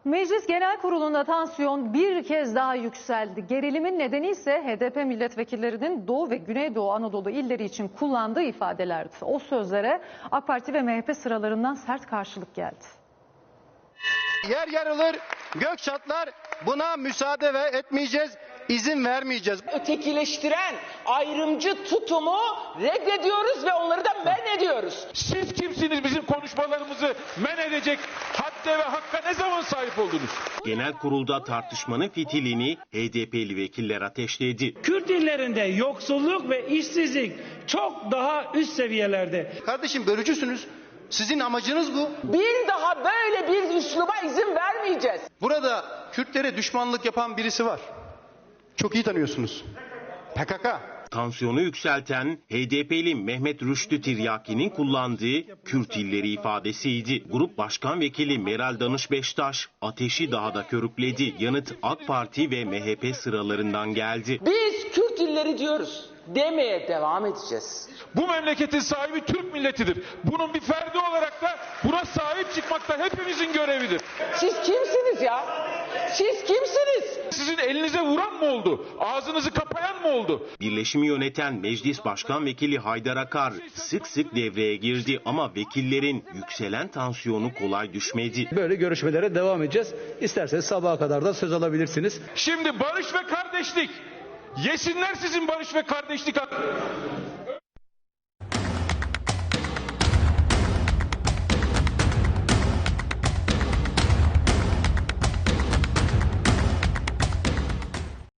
Meclis Genel Kurulu'nda tansiyon bir kez daha yükseldi. Gerilimin nedeni ise HDP milletvekillerinin Doğu ve Güneydoğu Anadolu illeri için kullandığı ifadelerdi. O sözlere AK Parti ve MHP sıralarından sert karşılık geldi. Yer yarılır, gök çatlar, buna müsaade etmeyeceğiz, izin vermeyeceğiz. Ötekileştiren ayrımcı tutumu reddediyoruz ve onları da men ediyoruz. Siz kimsiniz bizim konuşmalarımızı men edecek hadde ve hakka ne zaman sahip oldunuz? Genel kurulda tartışmanın fitilini HDP'li vekiller ateşledi. Kürt illerinde yoksulluk ve işsizlik çok daha üst seviyelerde. Kardeşim bölücüsünüz. Sizin amacınız bu. Bir daha böyle bir üsluba izin vermeyeceğiz. Burada Kürtlere düşmanlık yapan birisi var. Çok iyi tanıyorsunuz. PKK. Tansiyonu yükselten HDP'li Mehmet Rüştü Tiryaki'nin kullandığı Kürt illeri ifadesiydi. Grup Başkan Vekili Meral Danış Beştaş ateşi daha da körükledi. Yanıt AK Parti ve MHP sıralarından geldi. Biz Kürt illeri diyoruz. Demeye devam edeceğiz. Bu memleketin sahibi Türk milletidir. Bunun bir ferdi olarak da buna sahip çıkmak da hepimizin görevidir. Siz kimsiniz ya? Siz kimsiniz? Sizin elinize vuran mı oldu? Ağzınızı kapayan mı oldu? Birleşimi yöneten Meclis Başkan Vekili Haydar Akar sık sık devreye girdi ama vekillerin yükselen tansiyonu kolay düşmedi. Böyle görüşmelere devam edeceğiz. İsterseniz sabaha kadar da söz alabilirsiniz. Şimdi barış ve kardeşlik. Yesinler sizin barış ve kardeşlik hakkı.